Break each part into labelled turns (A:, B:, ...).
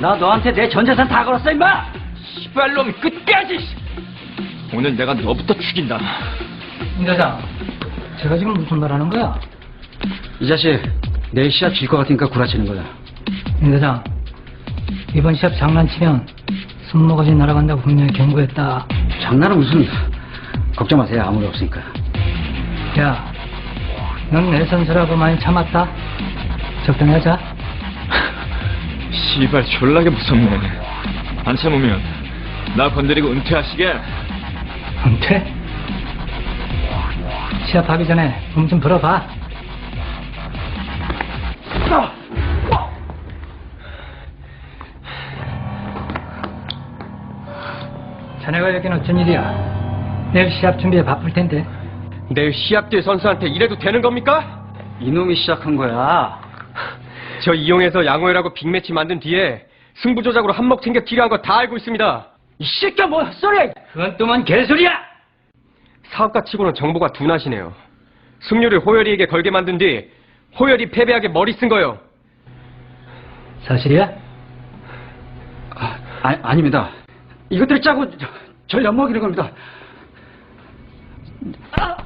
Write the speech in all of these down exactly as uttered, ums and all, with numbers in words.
A: 나 너한테 내 전 재산 다 걸었어, 임마!
B: 시발놈 끝까지! 오늘 내가 너부터 죽인다.
C: 임 대장, 제가 지금 무슨 말 하는 거야?
A: 이 자식, 내일 시합 질 것 같으니까 구라치는 거다.
C: 임 대장, 이번 시합 장난치면 손모가지 날아간다고 분명히 경고했다.
A: 장난은 무슨, 걱정 마세요. 아무 일 없으니까.
C: 야, 넌 내 선수라고 많이 참았다. 적당히 하자.
B: 시발 졸라게 무섭네. 안 참으면 나 건드리고 은퇴하시게.
C: 은퇴? 시합하기 전에 몸 좀 풀어봐. 자네가 여기는 어쩐 일이야? 내일 시합 준비에 바쁠 텐데.
D: 내일 시합 뒤에 선수한테 이래도 되는 겁니까?
A: 이놈이 시작한 거야.
D: 저 이용해서 양호열하고 빅매치 만든 뒤에 승부 조작으로 한몫 챙겨 필요한 거 다 알고 있습니다.
C: 이 새끼야 뭐 헛소리야! 그건 또만 개소리야!
D: 사업가 치고는 정보가 둔하시네요. 승률을 호열이에게 걸게 만든 뒤 호열이 패배하게 머리 쓴 거요.
C: 사실이야?
A: 아, 아, 아닙니다. 이것들 짜고 저, 절 엿먹이는 겁니다. 아!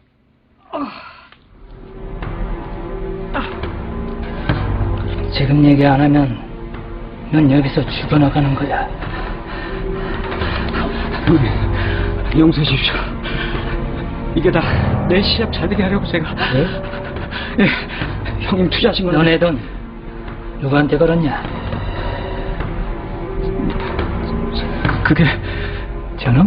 C: 지금 얘기 안 하면 넌 여기서 죽어나가는 거야.
A: 형님, 용서해 주십시오. 이게 다 내 시합 잘 되게 하려고 제가.
C: 네?
A: 예, 형님 투자하신 건.
C: 너네 돈 누구한테 걸었냐?
A: 그게
C: 저놈?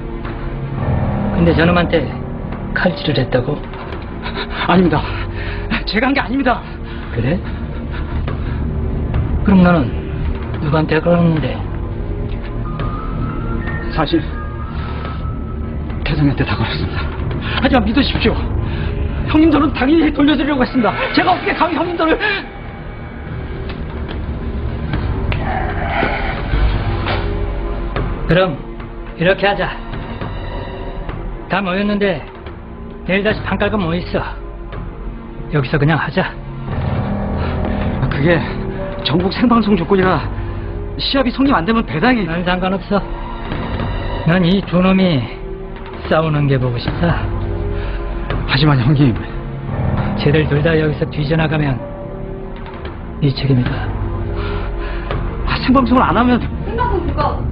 C: 근데 저놈한테 칼질을 했다고?
A: 아닙니다. 제가 한 게 아닙니다.
C: 그래? 그럼 너는 누구한테 걸었는데?
A: 사실 태성이한테 다 걸었습니다. 하지만 믿으십시오. 형님 돈은 당연히 돌려드리려고 했습니다. 제가 어떻게 감히 형님 돈을.
C: 그럼 이렇게 하자. 다 모였는데 내일 다시 반깔고 뭐 있어. 여기서 그냥 하자.
A: 그게 전국 생방송 조건이라 시합이 성립 안 되면 배당이.
C: 난 상관없어. 난 이 두 놈이 싸우는 게 보고 싶다.
A: 하지만 형님,
C: 쟤들 둘 다 여기서 뒤져나가면 네 책임이다.
A: 아, 생방송을 안 하면.
E: 생방송 그거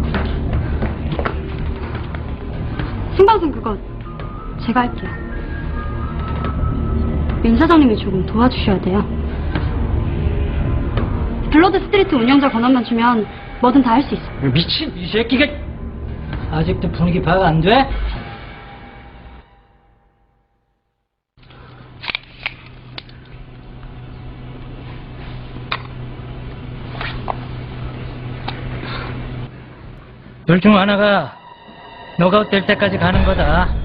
E: 생방송 그거 제가 할게요. 민 사장님이 조금 도와주셔야 돼요. 블러드 스트리트 운영자 권한만 주면 뭐든 다 할 수 있어요.
C: 미친 이 새끼가. 아직도 분위기 파악 안 돼? 둘 중 하나가 너가 될 때까지 가는 거다.